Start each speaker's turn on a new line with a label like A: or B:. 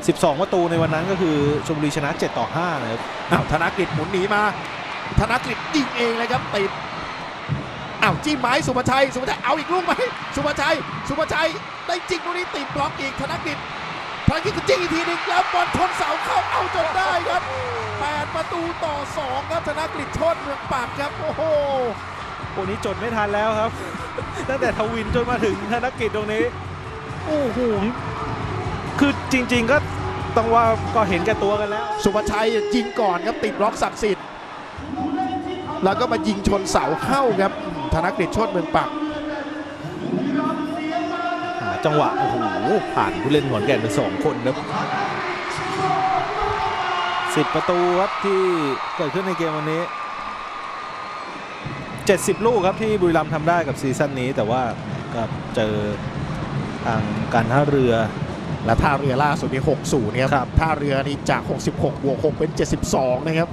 A: 12 ประตูในวันนั้นก็คือชลบุรีชนะ 7-5 นะครับ
B: ธนกฤษหมุนหนีมาธนกฤษยิงเองเลยครับติดจิ้มไม้สุภชัยเอาอีกลูกไหมสุภชัยได้จริงตรงนี้ติดบล็อกอีกธนกฤษก็จิ้งอีกทีนึงแล้วบอลชนเสาเข้าเอาจนได้ครับ8-2ครับธนกฤษโชติเมืองปักครับโอ้โห
A: นี้จดไม่ทันแล้วครับ ตั้งแต่ทวินจนมาถึงธนกิจตรงนี้โอ้โหคือจริงๆก็ต้องว่าก็เห็นแก่ตัวกันแล้ว
B: สุภชัยยิงก่อนครับติดบล็อกศักดิ์สิทธิ์แล้วก็มายิงชนเสาเข้าครับธนกฤษโชติเมืองปัก
A: จังหวะโอ้โหผ่านผู้เล่นขอนแก่นไป2 คนครับ10 ประตูครับที่เกิดขึ้นในเกมวันนี้70 ลูกครับที่บุรีรัมย์ทำได้กับซีซั่นนี้แต่ว่าก็เจอทางการท่าเรือ
B: และท่าเรือล่าสุดที่60นะครับท่าเรือนี่จาก66 บวก 6 เป็น 72นะครับ